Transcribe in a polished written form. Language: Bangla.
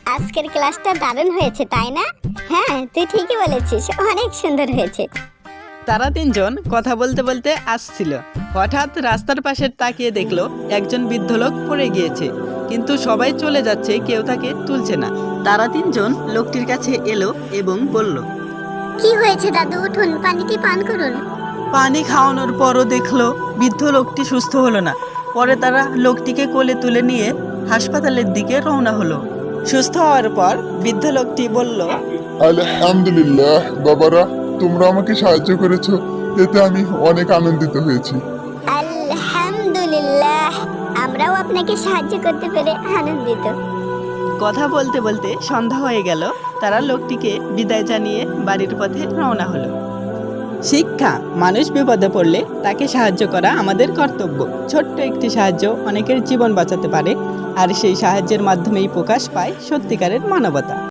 আজকের ক্লাসটা দারুণ হয়েছে তাই না? হ্যাঁ, তুই ঠিকই বলেছিস, অনেক সুন্দর হয়েছে। তারা তিনজন কথা বলতে বলতে আসছিল। হঠাৎ রাস্তার পাশে তাকিয়ে দেখলো একজন বৃদ্ধ লোক পড়ে গিয়েছে, কিন্তু সবাই চলে যাচ্ছে, কেউ তাকে তুলছে না। তারা তিনজন লোকটির কাছে এলো এবং বলল, কি হয়েছে দাদু, উঠুন, পানিটি পান করুন। পানি খাওয়ানোর পরও দেখলো বৃদ্ধ লোকটি সুস্থ হলো না। পরে তারা লোকটিকে কোলে তুলে নিয়ে হাসপাতালের দিকে রওনা হলো। সুস্থ হওয়ার পর বৃদ্ধ লোকটি বলল, আলহামদুলিল্লাহ বাবারা, তোমরা আমাকে সাহায্য করেছো, এতে আমি অনেক আনন্দিত হয়েছি। আলহামদুলিল্লাহ, আমরাও আপনাকে সাহায্য করতে পেরে আনন্দিত। কথা বলতে বলতে সন্ধ্যা হয়ে গেল। তারা লোকটিকে বিদায় জানিয়ে বাড়ির পথে রওনা হলো। শিক্ষা: মানুষ বিপদে পড়লে তাকে সাহায্য করা আমাদের কর্তব্য। ছোট্ট একটি সাহায্য অনেকের জীবন বাঁচাতে পারে, আর সেই সাহায্যের মাধ্যমেই প্রকাশ পায় সত্যিকারের মানবতা।